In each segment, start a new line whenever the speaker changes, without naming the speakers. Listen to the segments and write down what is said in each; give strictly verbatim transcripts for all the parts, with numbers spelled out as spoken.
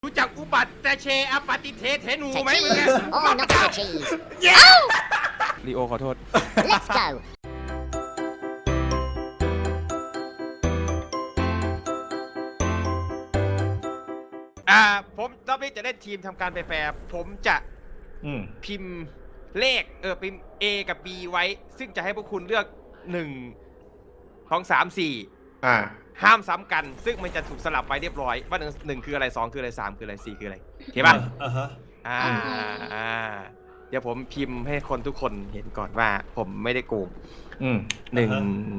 รู้จักอุบัติแต่เชอปฏิเทเทนูไหมมึง
Oh, not the cheese.
ลีโอขอโทษ
Let's go.
อ่าผมรอบนี้จะเล่นทีมทำการแฟร์ผมจะ
อืม
พิมพ์เลขเออพิมพ์ A กับ B ไว้ ซึ่งจะให้พวกคุณเลือกหนึ่งสองสามสี่
อ่า
ห้ามซ้ำกัน ซึ่งมันจะถูกสลับไปเรียบร้อยว่าหนึ่งหนึ่งคืออะไรสองคืออะไรสามคืออะไรสี่คืออะไรโอเคป่ะ
อ่าฮะ
อ่าอ่าเดี๋ยวผมพิมพ์ให้คนทุกคนเห็นก่อนว่าผมไม่ได้โกง
อืม
หนึ่ง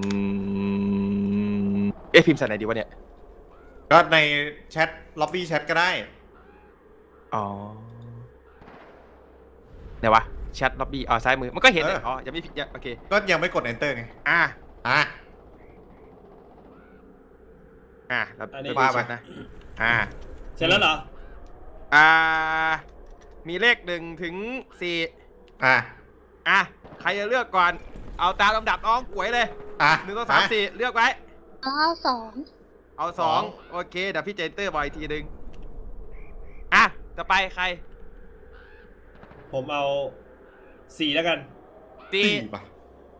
เอ๊ะพิมพ์ใส่ไหนดีวะเนี่ย
ก็ในแชทล็อบบี้แชทก็ได้
อ๋อไหนวะแชทล็อบบี้อ๋อซ้ายมือมันก็เห็นเลย
เอออ๋
อ๋อยังไม่ผิดยังโอเค
ก็ยังไม่กด enter ไง
อ่ะ
อ่ะ
อ่ะเรา
อันนี้
เราดูแชทนะอ่า
เสร็จแล้วเหรอ
อ่ามีเลขหนึ่งถึงสี่
อ่ะ
อ่ะใครจะเลือกก่อนเอาตามลำดับน้องก๋วยเลย
อ่ะ
หนึ่งสองสามสี่เลือกไว้
อ๋อสอง
เอาสองโอเคเดี๋ยวพี่เจนเตอร์บอกอีกทีหนึ่งอ่ะต่อไปใคร
ผมเอาสี่แล้วกัน
ตี
สี่ป่ะ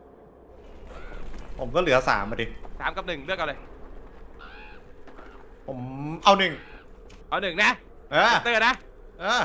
ผมก็เหลือสามมาดิ
สามกับหนึ่งเลือกเอาเลย
ผมเอาหนึ่ง
เอาหนึ่งนะ
เออ
เตอร์นะ
เออ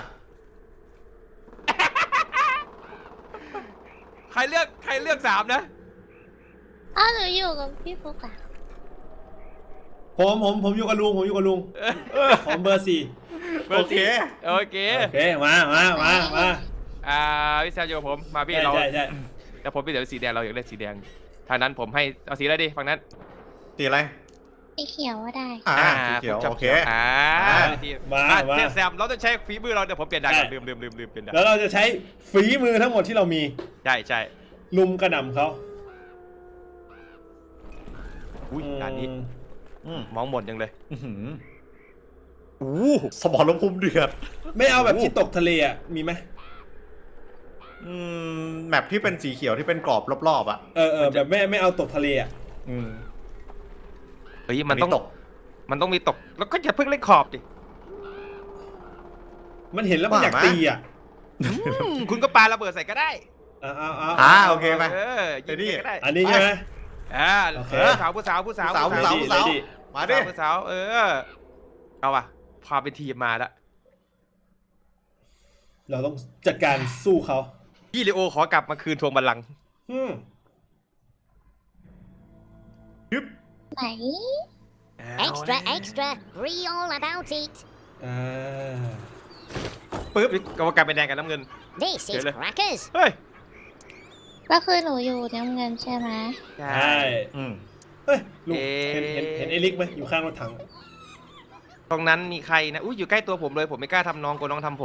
ใครเลือกใครเลือกสามนะ
อ้าวหนูอยู่กับพี่ฟุกอะ
ผมผมผมอยู่กับลุงผมอยู่กับลุงผมเบอร์สี่
โอเค
โอเค
โอเคมามามามา
อ่าพี่แซมอยู่กับผมมาพี่
ใช่
เรา
ใช่ใช่
แต่ผมพี่เดี๋ยวสีแดงเราอยากเล่นสีแดงทางนั้นผมให้เอาสีอะไรดีฝั่งนั้น
ตีอะไร
สีเขียวก็ได้
อ่าสีเขียว
ผมจับ
โอเค
อ่า
อ่า
ที
มา
อ่ะ
มา
เทพแซมเราต้องใช้ฝีมือเราเดี๋ยวผมเปลี่ยนดาวก่อน
ได้
ลืมลืมลืมลืมเปลี่ยนดาว
แล้วเราจะใช้ฝีมือทั้งหมดที่เรามี
ใช่ใช่
ลุมกระหน่ำเขา
อุ้ยด่านนี้
อืม
มองหมดยังเลย
อื้อหือ
อู้
สมรภูมิเดือด
ไม่เอาแบบที่ตกทะเลอ่ะมีไหม
อืมแมปที่เป็นสีเขียวที่เป็นกรอบรอบๆอ่ะ
เออเออแบบไม่ไม่เอาตกทะเลอ่ะ
อืม
เฮ้ยมันต้อง
ตก
มันต้องมีตกแล้วก็อย่าเพิ่งเล่นขอบดิ
มันเห็นแล้วมันอยากตีอ่ะ
อืมคุณก็ปาระเบิดใส่ก็ได้
เอาเอาเอา
อ่าโอเคไหม
เออยิง
เดี๋ยวดิ
ก็ได้
อันนี้ใช่ไหม
อ่า
โอเค
ผู้สาวผู้สาวผู้สาว
ผู้สาว
ผู้
ผู้สาว
ดีดี
มา
สา
ดิ
วผู้สาวเออเอาว่ะพาเป็นทีมมาละ
เราต้องจัดการสู้เขา
พี่ลีโอขอกลับมาคืนทวงบัลลังก์
อืม
ยึบ
ไหน extra extra read all about it
อ่า
ปึ๊บ
กรรมการเป็นแดงกับน้ำเงิน
this is
Really?
crackers
เฮ้ย
ก็คือหนูอยู่น้ำเงินใช่ไหม
ใช่
ใช่
อืม
เฮ้ยลุง
เอ๊ะ
เห็นเห็นเห็นเอลิกไหมอยู่ข้างรถถัง
ตรงนั้นมีใครนะอุ้ยอยู่ใกล้ตัวผมเลยผมไม่กล้าทำน้องกลัวน้องทำผม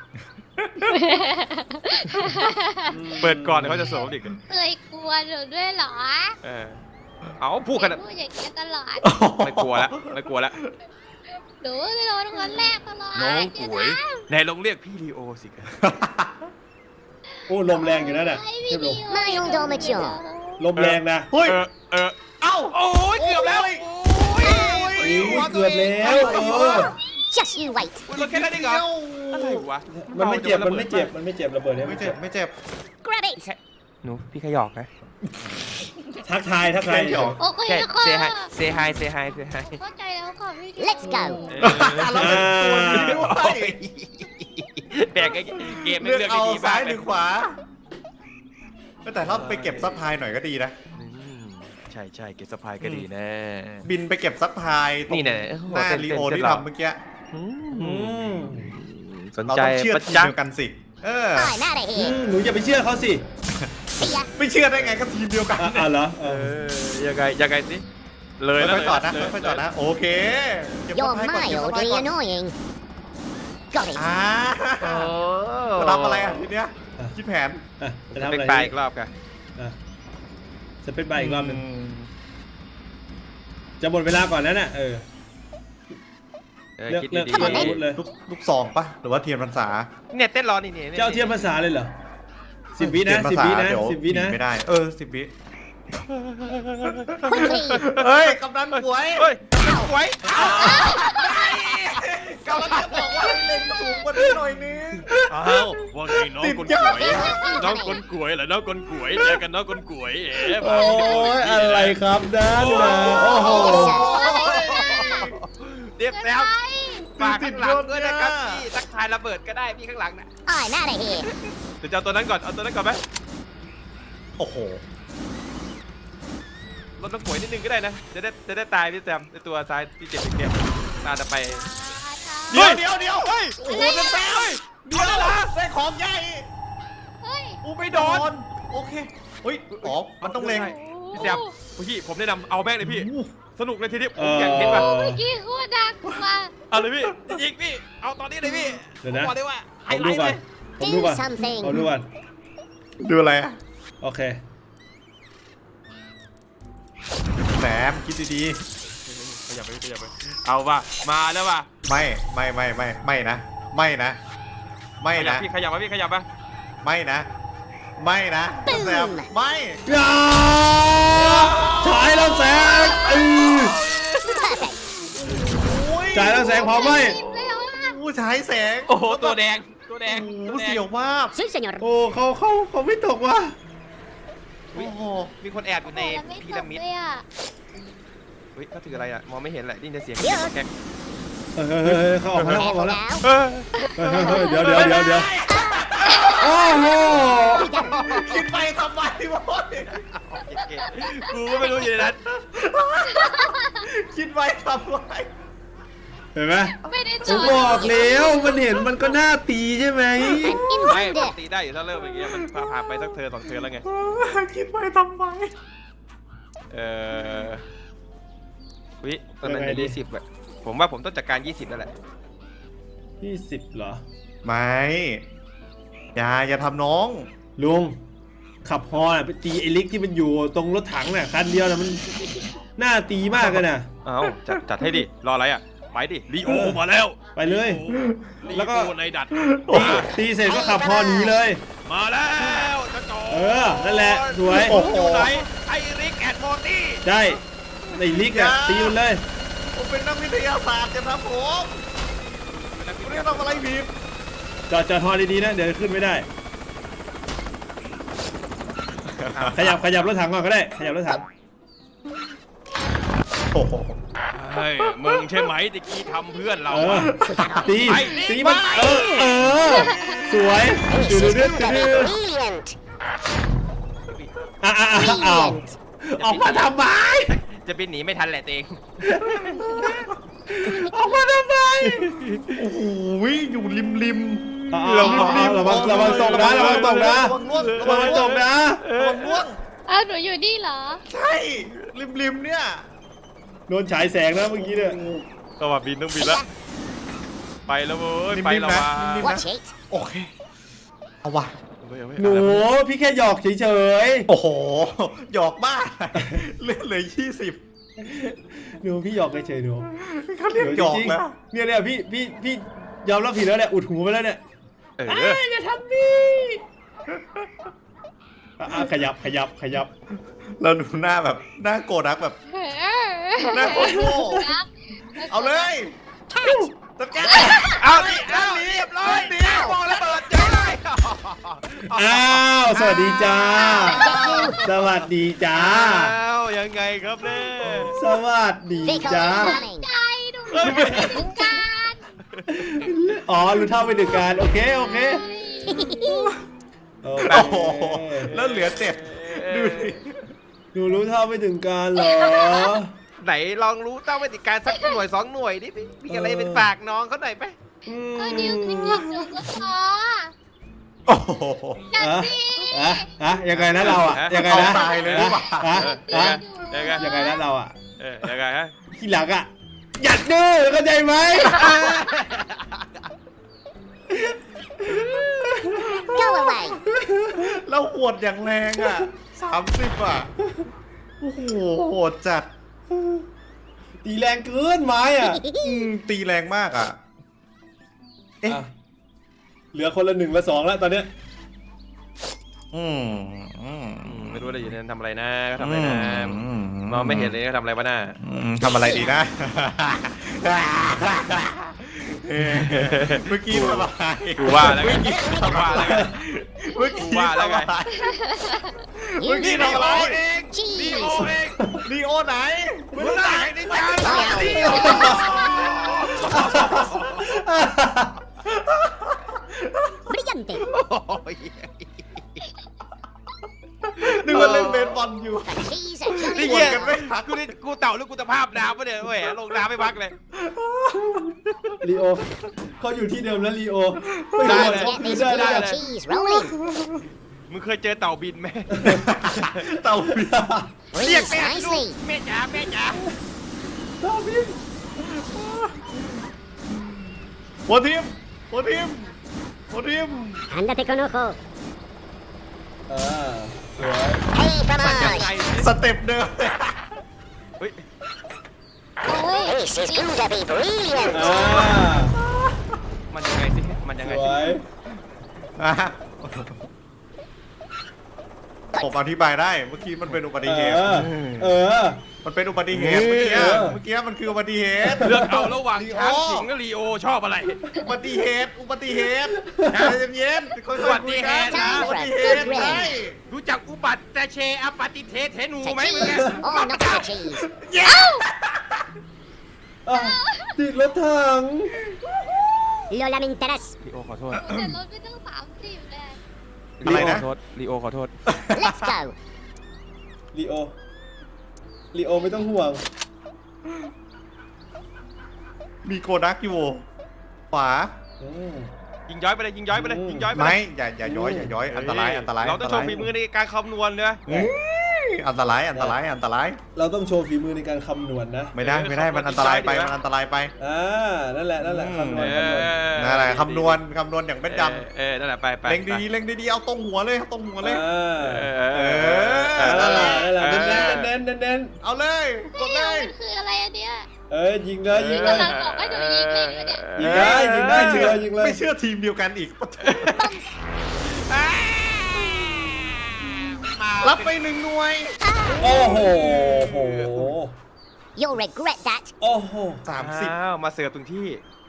เปิดก่อนเดี๋ยวเขาจะสวมอีก
เคยกลัวหนูด้วยเหรอ
เออเอาพูดขนาด
พูดอย่างนี้ยตลอด
ไม่กลัวแล้วไม่กลัวแล้ว
หนูจะโดนคนแรกตลอด
น้อง
เดี๋
ก๋วย
นะ
ไหนลองเรียกพี่ลีโอสิครับ
โอ้ลมแรงอยู่นั่นน่ะ
ไอ้
เทียบลม
ไม่ยอมโดนมาเชียว
ลมแรงนะ
เฮ้ย
เออเออ
เอ้า
โอ้ยเกือบแล้วโอ้ย
โอ้ยเกือบแล้วเออ
just you wait
คุณรถแค่นั้นเองเหรออะไรวะ
มันไม่เจ็บมันไม่เจ็บมันไม่เจ็บระเบิดเนี่ย
ไม่เจ็บไม่เจ็บ
grab it
หนูพี่ขยอกนะ
ทักทายทักทาย
เดี๋ยว
โอเค
แค่
ค่ะ
เซฮายเซฮายเซฮายเซฮาย
เข้าใจแล้วค่ะพี่
Let's go
เราเป็นตัวนี้ด้วย
แบกไอ้เกมไม่
เลือก
เลือก
เอา
ดีๆ
ซ้าม
าย ก
ห
เล
รื
ย
อขวาแต่ถ้าไปเก็บซัพพลายหน่อยก็ดีนะ
อืมใช่ใช่เก็บสะพายก็ดีแน่
บินไปเก็บซัพพลายตรง
นี่แน่
หน้า
เต้น
ลี
เต้น
โอ
เต้น
ที่
เรา
ทำเมื่อกี้
อื
อื
ม
ม
สน
เรา
ใจ
ต้องเชื่อ
ปะ
ทีม
จ๊ะ
เดียวกันสิ เออ
I'm out of
อื
here
มหนูอย่าไปเชื่อเขาสิ
see ya
ไม่เชื่อได้ไงก็ทีมเดียวกัน
อ่ะอ่ะเหรอเอ
เอ
อ
อยังไงยังไงสิเลยแล้ว
ค่อยๆจอดนะ
เลย
ค่อยๆจอดนะ โอเคเก็บซัพ
you're
พลายก่อนเก็บซัพพลาย
mildly
ก่อน
annoying got it
อ่า
โอ้
จะทำอะไรอ่ะทีเนี้ยคิดแผน
อ่ะจะทำ
เป็น
อะไร
ปลายอีกรอบกัน
อ่ะจะเป็นใบอีกรอบหนึ่ง
ม
จะหมดเวลาก่อนนั้นน่ะเออ
เออ
เลือก
คิด
เลือก
ดี
เลือกอาวุธเลย
ลูกลูกซองปะหรือว่าเทียนพรรษา
ๆเนี่ยเต้นรอนี่นี่
เจ้าเทียมภาษาเลยเหรอสิบวินะ
เทีย
สิบ
ภาษา
วินะ
เดี๋ยว
สิบวินะ
ไม่ได้ เออสิบวิ
quickly
เฮ้ยกำนันป่วย
เฮ้ยสวย
กำลังจะบอกว่าให้เล็งสูงกว่านี้หน่อยนึง
อ้าวว่าไงน้องคนกวยน้องคนกวยเหรอน้องคนกวยเจอกันน้องคนกวยเอ๊ะ
โอ้ยอะไรครับด้านนะโอ้โห
เรียบแซมฝากข้างหลังด้วยนะครับพี่ทักทายระเบิดก็ได้พี่ข้างหลังนะ
I'm out of here.
เดี๋ยวจะเอาตัวนั้นก่อนเอาตัวนั้นก่อนไหม
โอ้โห
ลดน้ำป่วยนิดนึงก็ได้นะจะได้จะได้ตายพี่แซมในตัวซ้ายที่เจ็บเก็บตาจะไป
เดี๋ยวเดี๋ยวเดี๋ยวเฮ้ย
โอ้โหเป็นแซมเดี๋ยวนะ
ได้ของใหญ่
เฮ้ย
อูไม่โดน
โอเคเฮ้ยอ๋อมันต้องเล็ง
พี่แซมพี่ผมแนะนำเอาแม่งเลยพี่
อู้
สนุกเลยทีนี้ผ
เอ
ม
อ
อยากเห็นว่ะ
เมื่อกี้โคตรดังมา
เอาเลยพี่ยิงพี่เอาตอนนี้เลยพี่
เดี๋ยวนะ
ผมบอกเลยว่าไฮ
ผม
ไล
ดู
ท์
ก่
เล
อน
ย
ผมดูก่อน
Do something
ผมดูก่อน
ดูอะไรอะ
โอเค
แหมคิดดี
ขยับไปขยับไปเอาว่ะมาแล้วว่ะ
ๆไม่ไม่ไม่ไม่ไม่นะ ไม่นะ ไม่
ขยับ
นะ
พี่ขยับมาพี่ขยับมา
ไม่นะ ไม่นะแซมไม่
ยาฉายแล้วแสงอือ
perfect.
ฉายแล้วแสงพอไหม
ผู้ชายแสง
โอ้โหตัวแดงตัวแดง
โอ้โห
ตัวแดง
เสียวมาก
Si, señor.
โอ้เขาเขาเขาไม่ตกว่ะ
โอ้โห
มีคนแอบอยู่ใน
โอ้โหแล้วไม่
พี
ต
ระ
ก
มิด
เลยอ่ะ
เฮ้ยเขาถืออะไรอ่ะมองไม่เห็นแหละได้ยินแต่เสียง
เดี๋ยว
แก๊ก
เฮ้ยเฮ้ยเฮ้ยเขาออกมาแล้วเขาออก
Careful
มาแล้ว
now.
เฮ้ย
เฮ้ยเฮ้ยเฮ้ยเดี๋ยวเดี๋ยวเดี๋ยวเดี๋ยวโอ้โห
คิดไปทำไมวะ
กูก็ไม่รู้อยู่ในนั้น
คิดไปทำไม
เห็นไหม
ไม่ได้
ผ
จ
ม
อด
บอกแล้วมันเห็นมันก็น่าตีใช่ไหม
I'm
ไม่ปก
invited.
ติได้อยู่ถ้าเริ่มอย่างเงี้ยมันพาผ่านไปสักเธอสองเธอแล้วไง
คิดไปทำไม
เออวิตอนนั้นจะยี่สิบแบบผมว่าผมต้องจัดการยี่สิบแล้วแหละ
ยี่สิบเหรอ
ไม่อย่าอย่าทำน้อง
ลุงขับฮอน่ะไปตีไอ้ลิกที่มันอยู่ตรงรถถังน่ะคันเดียวน่ะมันน่าตีมากเลยน่ะ
เอาจัดจัดให้ดิ รออะไรอ่ะ ไปดิลีโอมาแล้ว
ไปเลย
ลี
แล้วก็
โอในดัด
ตีตีเสร็จก็ขับฮอหนีเลย
มาแล้วจะจอ
เออนั่นแหละสวย
โอ้โห
อยู่ไหนไอริกแอนด์โมตี้
ได้ไอ้ลิกอ่ะตีมันเลย
ผมเป็นนักวิทยาศาสตร์จะนะผมผมไม่ได้ทำอะไรผิด
จอดจอดฮอดีๆนะเดี๋ยวขึ้นไม่ได้ ขยับขยับรถถังก่อนก็ได้ขยับรถถัง
โอ้โห
เฮ้ยมึงใช่ไหมตะกี้ทำเพื่อนเรา
เออ
อะ
ตี
ไป
ตีมัน
ไป
เออเออสวยดูดูดูดู
Brilliant.
อ่ะอ่ะอ่ะอ้าวออกมาทำไม
จะบินหนีไม่ทันแหละเตง
ออกมาทำไม
โอ้โหอยู่ริมริม
อ่ะอ่ะอ่ะระวังระวังตกนะระวังตกนะ
ระวังล่วง
ระวังตกนะ
ระวังล่วง
อ้าวหนูอยู่นี่เหรอ
ใช่ริมริมเนี่ย
โดนฉายแสงนะเมื่อกี้เนี่ย
ก็ว่าบินต้องบินแล้ว ไปแล้วเว้ย ไปแล้วว่ะ
Watch it.
โอเคเอาว่ะ
เอาไว้เอาไว้
หนูพี่แค่หยอกเฉย
โอ้โหหยอกมากเลื่อนเลยยี่สิบ
ๆหนูพี่หยอกเฉยๆหนู
เขาเรียกหยอก
จริง
แล้ว
ๆเนี่ยเนี่ยพี่พี่พี่ยอมรับผิดแล้วเนี่ยอุดหูไปแล้วเนี่ย
เออ
อ่ะอย่าทำพี่อ่ะอ่ะขยับขยับขยับ
เราดูหน้าแบบหน้าโกรธรักแบบหน้าโกรธโง่เอาเลยจัดการ
เอาดิเอาดิเรียบร้อยดิมองระเบิดเจอเลย
อ้าวสวัสดีจ้า สวัสดีจ้า
อ้าวยังไงครับเนี่ย
สวัสดี
Vehicle
จ้า
incoming.
เอ้ย
ถึงการ
อ๋อรู้เท่าไม่ถึงการโอเคโอเคโอเค
โอ้โหแล้วเหลือเจ็ดดูดิ
หนูรู้เท่าไม่ถึงการเหรอ
ไหนลองรู้เต้าวิธีการสักหน่วยสองหน่วยดิพี่มีอะไรเป็นฝากน้องเขาหน่อยไหม
อืม
ก็ดิวขึ้นกับหนูก็พอ
โอ้โห
จัด
อ่ะ
สิ
อ่ะอ่ะยังไงนะเราอ่ะยังไงนะ
เอาตายเลยหรือเปล่า
อ่ะ
เอ
อ่ะ
อยังไง
ยังไงนะเราอ่ะ
เออยังไงฮะ
ทีหลังอ่ะหยัดดื้อเข้าใจไหม
Go away.
แล้วหวดอย่างแรงอ่ะสามสิบอ่ะโอ้โหโหดจัด
ตีแรงเกินไม้อ่ะ
อืมตีแรงมากอ่ะ เอ๊ะ
อ่ะเหลือคนละหนึ่งละสองแล้วตอนเนี้ย
อืมอืม
อืมไม่รู้ได้อยู่ในนั้นทำอะไรนะเขาทำอะไรนะ
อืม
มองไม่เห็นเลยเขาทำอะไรวะน่า
อืมทำอะไรดีนะเออเมื่อกี้ทำอะไร
กูว่าแล้วไงกูว่าแล้วไง
เมื่อกี้
ว่าแล้ว
ทำ
ไง
อะไร
You
เมื่อกี้
ลี
ทำ
โอ
อะไร
เองลีโอ
cheese.
เอง
ลีโอไหน
มึงได้ในจานลีโอ
Brillante.
นึกว่าเล่นเบสบอลอยู่
The cheese, a
นี่
jolly
เหี้ย
กันไม่พัก
กูนี่กูเต่าหรือกูตะภาพน้ำปะเนี่ยเว้ยลงน้ำไม่พักเลย
ลีโอเขาอยู่ที่เดิมแล้วลีโอ
ได้
Let's
เลย
get this
ได้เลย
grilled cheese rolling.
มึงเคยเจอเต่าบินไหม
เต่าบิน
เรียก
Freeze
แม่ลูก
nicely.
แม่จ๋าแม่จ๋า
เต่าบิน
หัวทิมหัวทิมหัวทิม
Ándate con ojo.
อ่าสวย
Hey,
มันยังไง
fromage.
สเต็ปเดิม
เฮ้ย
This is going to be brilliant.
อ่า
มันยังไงสิมันยัง
ส
ไง
ว
สิ
ย
อ่ะผมอธิบายได้เมื่อกี้มันเป็นอุบั
เอ
ติเหตุ
อเออ
มันเป็นอุบัติเหตุเมื่อกี้
เออ
เมื่อกี้มันคืออุบัติเหตุ
เลือกเอาระหว่าง
ลีโอ
ช้างสิงห์กับลีโอชอบอะไร
อุบัติเหตุอุบัติเหตุใจเย็นๆค่อย
อุ
ๆ
บั
คุ
ติ
ย
เห
กั
ตุ
น
นะ
อุบัติเหตุใช่
รู้จักอุบัติแต่เชอปฏิเทเทนูไหมมึงไง
Oh, not the cheese.
อ่ะติดรถถัง
Lo lamentarás.
ลีโอขอโทษ
แต่รถไม่ต้องสามสิบเลย
อะไรนะ
ขอโทษลีโอขอโทษ
Let's go.
ลีโอลีโอไม่ต้องห่วง
มีโกดักอยู่ขวา
อืม
ยิงย้อยไปเลยยิงย้อยไปเลยยิงย้อยไปเล
ไม่
ย
อย่าอย่าย้อยอย่าย้อยอันตรายอันตราย
เราต้องโชว์ฝีมือในการคำนวณเนอะ
เฮ้ยอันตรายอันตรายอันตราย
เราต้องโชว์ฝีมือในการคำนวณนะ
ไม่ได้ไม่ได้มันอันตรายไปมันอันตรายไป
อ่านั่นแหละนั่นแหละคำนวณ
เอ
คำนวณ
อ
นั่นแหละคำนวณคำนวณอย่างเป็นด
เออนั่นแหละไปไป
ำเล็งดีๆเล็งดีๆเอาตรงหัวเลยเอาตรงหัวเลย
อ่า
เออ
เอ
เอ
อ
อ
นั่นแหละนั่นแหละ
เออ
เน้นเน้นเน้นเน้น
เอาเลยกด
ไม่
เล
เอา
ย
มันคืออะไรอันเนี้ย
เอ้ยยิงเลยยิงเลย
กำลังบอกให้หนูยิงเลยเนี่ย
ยิงได้ยิงได้
ไม่เชื่อ
ยิงเลย
ไม่เชื่อทีมเดียวกันอีก รับไปหนึ่งหน่วย
โอ้โหโห
You'll regret that.
โอ้โห
สามสิบ
อ้าวมาเสิร์ฟถึงที่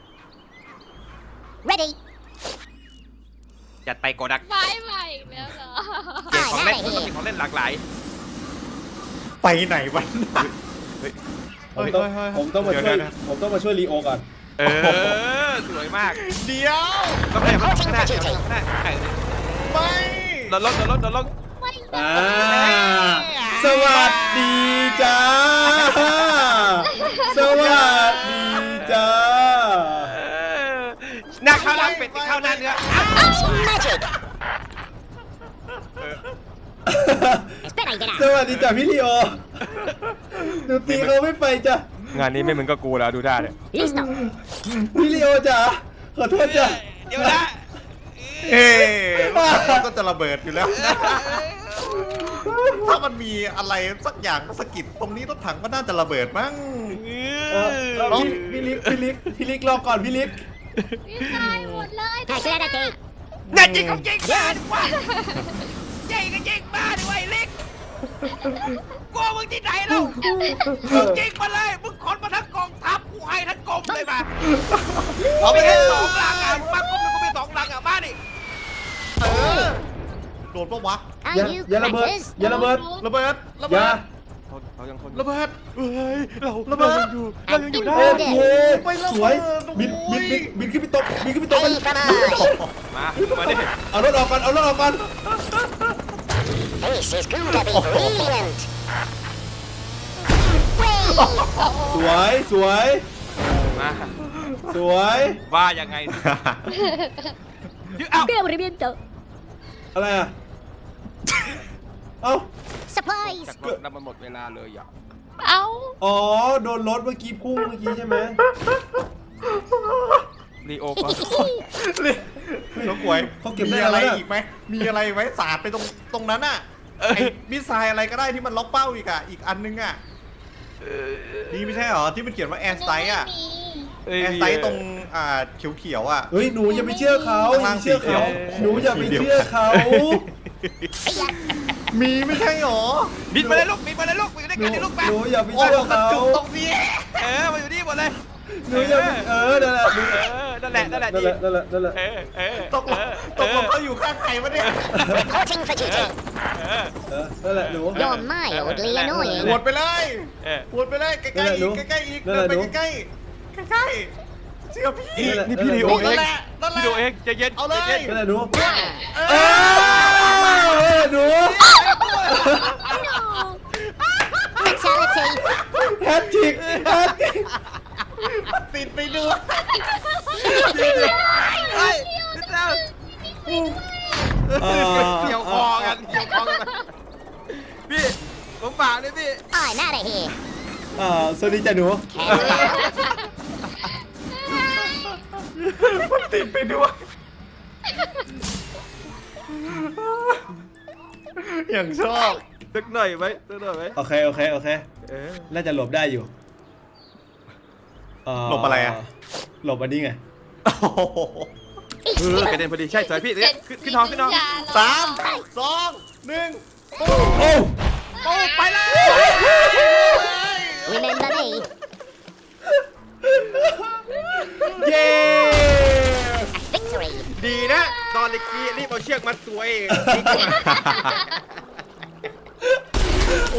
Ready.
จัดไปโกดัก
ไม้ใหม่อีกแล้วเหรอ
เกมของเล่นมันต้องมีของเล่นหลากหลาย
ไปไหนวัน
ผมต้อง
เฮ้ยเฮ้ยเฮ้ย
ผมต้องมา
เดี๋ยว
ช่วย
นะ
ผมต้องมาช่วยลีโอก่อน
เออสวยมาก
เดี๋ยว
ต้องไปข้างหน้าเดี๋ยวข้างหน้าเออ
ไป
โดนลงโดนลงโดนลง
ไม่
อ่าสวัสดีจ้า สวัสดีจ้า
เออหน้าข้าวหน้าเป็ดข้าวหน้าเนื้อ
It's magic. Espera y
ส
verás.
วัสดีจ้าพี่ลีโอหนูตีเขาไม่ไปจ้ะ
งานนี้ไม่เหมือนกับกูแล้วดูได้เลย
Listo.
พี่ลีโอจ้าขอโทษจ้ะ
เดี๋ยวนะ
เอ๊ะก็จะระเบิดอยู่แล้ว ถ้ามันมีอะไรสักอย่างสะกิดตรงนี้รถถังก็น่าจะระเบิดมั้ง
เออเออพี่พี่ลิกพี่ลิกพี่ลิกรอก่อนพี่ลิก
พี่ตายหมดเลย
Aclárate.
น่าจริงของจริงบ้าดีกว่าจริงก็จริงบ้าดีกว่าไอ้เล็กกลัวมึงที่ไหนเล่ามึงจริงมาเลยมึงขนมาทั้งกองทัพกูให้ทั้งกรมเลยมาเอาไปแค่สองหลังอ่ะมึงมากรมหนึ่งก็เป็นสองหลังอ่ะมาดิ
เออโดนปะวะ
Are
อย่า
you
อย่าระเบิด
crackers?
อย่าระเบิด
ระเบิดระ
อ
เบิ
ย่า
ด
เขายังคน
ระเบิด
เฮ้ยเรา
ระเบิด
เรายังอยู่เรายังอยู่ได้
โอ้โห
ไม่ระเบิด
สวย
โอ้
บิน
โห
บินบินบินขึ้นไปตกบินขึ้นไปตก
Hey, fromage.
มามาดิ
เอารถออกก่อนเอารถออกก่อน
This is going to be brilliant.
สวยสวย
มา
สวย
ว่ายังไงสิเอ้า
¡Qué aburrimiento!
อะไรอ่ะเอ้า
Supplies.
จากรถแล้วมันหมดเวลาเลยอ่ะ
เอ้า
อ๋อโดนรถเมื่อกี้พุ่งเมื่อกี้ใช่ไหม
ลีโอก็
น้องกวย
เขาเก็บได้
มีอะไร
แล้ว
อีกไหมมีอะไรไหมสาดไปตรงตรงนั้นอ่ะไอ้มิสไซล์อะไรก็ได้ที่มันล็อกเป้าอีกอ่ะอีกอันนึงอ่ะนี่ไม่ใช่เหรอที่มันเขียนว่าแอร์สไตล์อ่ะ
ไม่มี
แอร์สไตล์ตรงอ่าเขียวๆอ่ะ
เฮ้ยหนูอย่าไปเชื่อเขาอย่าไปเชื่อเขาหนูอย่าไปเชื่อเขา
มีไม่ใช่เหรอ
บินมาเลยลูกบินมาเลยลูกบินด้วย
หนู
กันดิลูกมา
หนูอย่าไป
โอ้
เชื่อ
โหกระ
เขา
จุกตรงนี้
เออมาอยู่นี่หมดเลย
หนูอย่าไปเออนั่นแหละหนู
เออนั่นแหละนั่นแหละ
นั่นแหละนั่นแหละนั่นแหละ
เออเออ
ตกลงตกลงเขาอยู่ข้างใครวะเนี่ย
Reporting for duty.
เออ
เออนั่นแหละหนู
You're mildly
ห
annoying.
วดไปเลย
เออ
หวดไปเลยใกล้ๆอีกใกล้ๆอีก
นั่น
เดิ
แห
น
ละ
ไป
หนู
ใกล้ๆใกล้ๆเชื่อพี่
นั่นแหละ
นี่พี่ลีโอ
นั่
เอน ง
แหละนั่นแหละ
พี่ลีโอเองใจเย็น
เอาเลย
ใจน
นั่นแหละหนู
เอ
เอ
อ
อหนู
Fatality.
แฮตทริกแฮตทริก
ติดไปด้วย
เฮ้ยพี่เจ้า
เออ
เกี่ยวคอกันเกี่ยวคอกันพี่ผมฝากด้วยพี่
I'm out of here.
เออสวัสดีจ้ะหนู
มันติดไปด้วยอย่างชอบ
ตึกหน่อยไหมตึกหน่อยไหม
โอเคโอเคโอเค
เออ
น่าจะหลบได้อยู่เ
หลบอะไรอะ
หลบอันนี้ไง
โอ้โห
เออกระเด็นพอดีใช่สวยพี่เนี่ยขึ้นขึ้นท้องขึ้นท้อง
สามสองหนึ่งปุ๊บ
โอ้
โอ้ไปเลย
Remember me.
เย้
Victory.
ดีนะ ตอนเมื่อกี้รีบเอาเชือกมัดตัวเอง
โอ้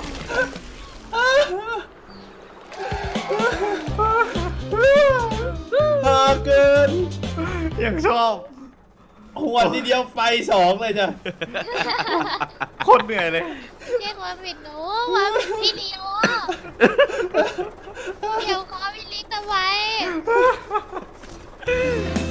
ฮาเกิน
อย่างชอบ
หัวทีเดียวไฟสองเลยจ้ะ
โคตรเหนื่อยเลย
เรียกว่าผิดหนูว่าผิดพี่นิโอเดี๋ยวขอพี่ลิกทำไม